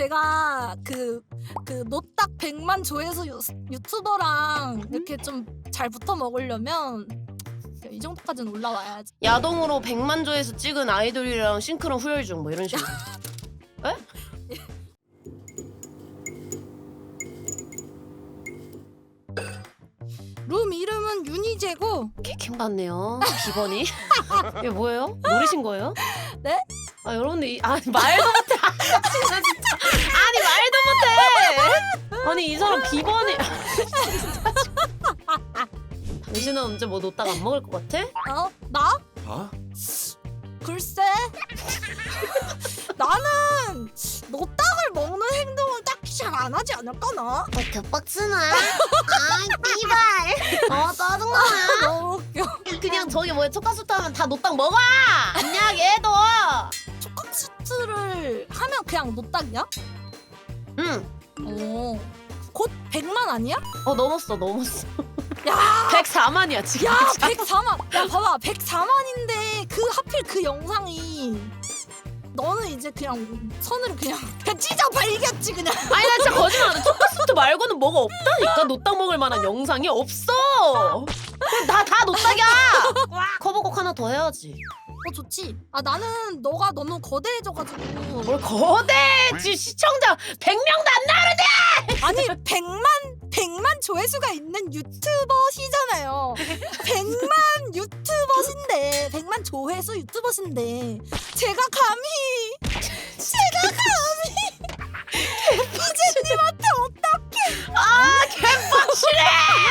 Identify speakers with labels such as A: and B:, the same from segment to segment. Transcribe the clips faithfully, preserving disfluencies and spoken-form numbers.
A: 제가 그, 그 노딱 백만 조회수 유, 유튜버랑 이렇게 좀 잘 붙어 먹으려면 이 정도까지는 올라와야지.
B: 야동으로 백만 조회수 찍은 아이돌이랑 싱크로 후열 중 뭐 이런 식으로. 에?
A: 룸 이름은 윤희재고.
B: 개킹 받네요. 비번이. 이게 뭐예요? 노리신 거예요?
A: 네?
B: 아 여러분들 이, 아 말도 못해. 아, 진짜 진짜. 아니 말도 못해. 아니 이 사람 비번이. 진짜. 당신은 언제 뭐 놓다가 안 먹을 것 같아?
A: 어? 나?
C: 어?
A: 글쎄. 나는 노딱을 먹는 행동을 딱히 잘 안 하지 않을까 나?
D: 어, 개빡치네. 아이, 삐발. 어, 짜증나.
A: 너무 웃겨.
B: 그냥 저기 뭐야 초카수트 하면 다 노딱 먹어. 안녕 얘도.
A: 초각수트를 하면 그냥 노딱이야?
B: 응.
A: 오. 곧 백만 아니야?
B: 어 넘었어 넘었어.
A: 야!
B: 백사만이야 지금.
A: 야 백사만! 야 봐봐 백사만인데 그 하필 그 영상이 너는 이제 그냥 선을 그냥 그냥 찢어 발겼지 그냥.
B: 아니 나 진짜 거짓말 안 해. 초카수트 말고는 뭐가 없다니까. 노딱 먹을 만한 영상이 없어. 다 다 노딱이야. 커버곡 하나 더 해야지.
A: 어 좋지. 아 나는 너가 너무 거대해져가지고.
B: 뭘 거대. 지금 시청자 백 명도 안 나오는데.
A: 아니 백만 백만 조회수가 있는 유튜버시잖아요. 백만 유튜버신데 백만 조회수 유튜버신데 제가 감히 제가 감히 개피제님한테 어떡해?
B: 아 개빡치네.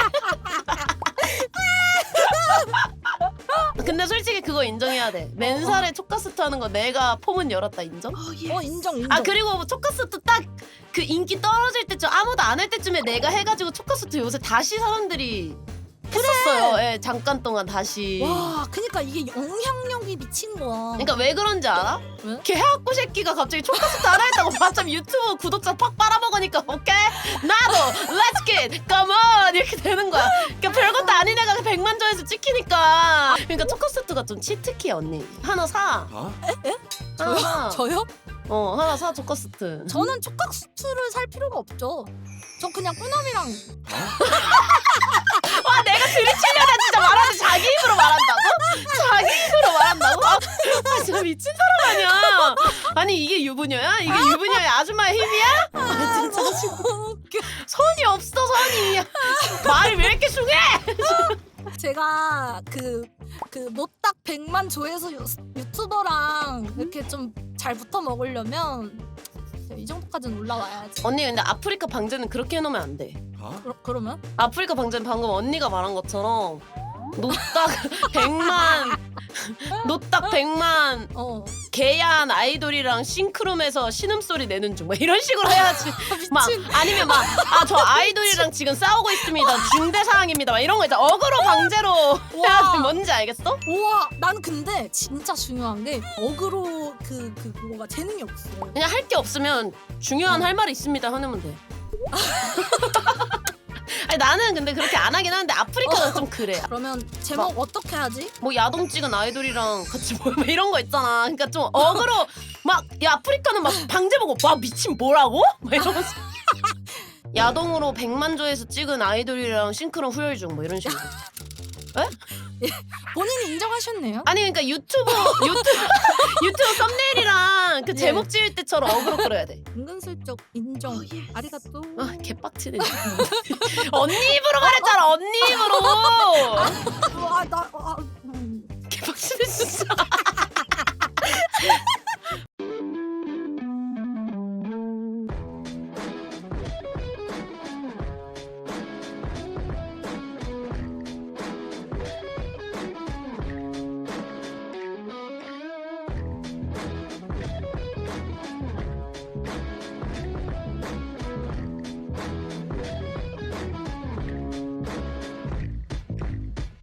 B: 근데 솔직히 그거 인정해야 돼. 맨살에 초카스트 하는 거 내가 포문 열었다 인정?
A: 어 인정 인정.
B: 아 그리고 초카스트 딱 그 인기 떨어질 때쯤 아무도 안 할 때쯤에 내가 해가지고 초카스트 요새 다시 사람들이 했었어요. 예, 잠깐 동안 다시.
A: 와 그니까 이게 영향력이 미친 거야.
B: 그러니까 왜 그런지 알아?
A: 왜?
B: 걔 해학고 새끼가 갑자기 초카스트 하나 했다고 갑자기 유튜브 구독자 팍 빨아먹으니까 오케이 나도 let's get come on 이렇게 되는 거야. 그러니까 별것도 아닌 애가 백만 조회수 찍히니까. 그러니까 초카스트가 좀 치트키야 언니. 하나 사.
C: 어?
B: 하나 사.
A: 저요?
B: 어 하나 사 초카스트.
A: 저는 촉각수트를 살 필요가 없죠. 저 그냥 꾸남이랑.
B: 와 내가 들이치려다 진짜 말하는데 자기 입으로 말한다고? 자기 입으로 말한다고? 아 진짜 미친 사람 아니야. 아니 이게 유부녀야? 이게 유부녀의 아줌마의 힘이야? 아 진짜 지금
A: 웃겨.
B: 손이 없어 손이. 말이 왜 이렇게 숭해?
A: 제가 그, 그 노딱 백만 조회수 유, 유튜버랑 이렇게 좀 잘 붙어 먹으려면 이 정도까지는 올라와야지.
B: 언니 근데 아프리카 방제는 그렇게 해놓으면 안 돼.
C: 어?
A: 그러, 그러면?
B: 아프리카 방제는 방금 언니가 말한 것처럼 노딱 백만 노딱 백만
A: 어.
B: 개야한 아이돌이랑 싱크룸에서 신음소리 내는 중 뭐 이런 식으로 해야지. 막 아니면 막 아 저 아이돌이랑 지금 싸우고 있습니다 중대 사항입니다 막 이런 거 있잖아. 어그로 방제로 해야지. 뭔지 알겠어?
A: 우와 난 근데 진짜 중요한 게 어그로 그, 그 그거가 재능이 없어.
B: 그냥 할 게 없으면 중요한 할 말이 있습니다 하면 돼. 아니 나는 근데 그렇게 안 하긴 하는데 아프리카는 좀 그래.
A: 그러면 제목 어떻게 하지?
B: 뭐 야동 찍은 아이돌이랑 같이 뭐 이런 거 있잖아. 그러니까 좀 어그로 막 야 아프리카는 막 방제 보고 와 미친 뭐라고? 막 이러면서 야동으로 백만 조회수 찍은 아이돌이랑 싱크로 후열 중 뭐 이런 식으로.
A: 본인이 인정하셨네요.
B: 아니 그러니까 유튜브 유튜브 유튜브 썸네일이랑 그
A: 예.
B: 제목 지을 때처럼 어그로 끌어야 돼.
A: 은근슬쩍 인정. 아리가또.
B: 아 개빡치네. 언니 입으로 말했잖아 언니 입으로.
A: 와 나 아, 음.
B: 개빡치네 진짜.